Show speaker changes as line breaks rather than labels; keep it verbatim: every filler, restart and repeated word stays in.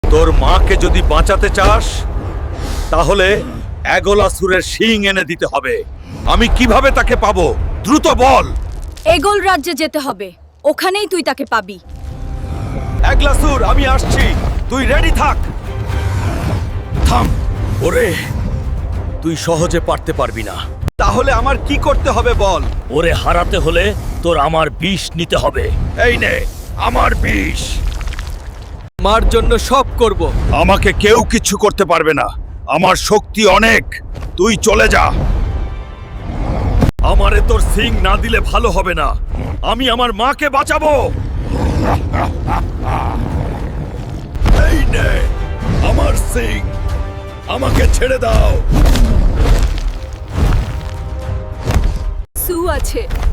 তোর মাকে যদি বাঁচাতে চাস তাহলে এগোলাসুরের শিং এনে দিতে হবে। আমি কিভাবে তাকে পাবো? দ্রুত বল।
এগোল রাজ্যে যেতে হবে, ওখানেই তুই তাকে পাবি।
এগলাসুর, আমি আসছি, তুই রেডি থাক। থাম। ওরে, তুই সহজে পারতে পারবি না। তাহলে আমার কি করতে হবে বল?
ওরে হারাতে হলে তোর আমার বিষ নিতে হবে।
এই নে আমার বিষ।
মার জন্য সব করব।
আমাকে কেউ কিচ্ছু করতে পারবে না, আমার শক্তি অনেক। তুই চলে যা। আমারে তোর সিং না দিলে ভালো হবে না। আমি আমার মাকে বাঁচাবো। এই নে আমার সিং, আমাকে ছেড়ে দাও।
সু আছে,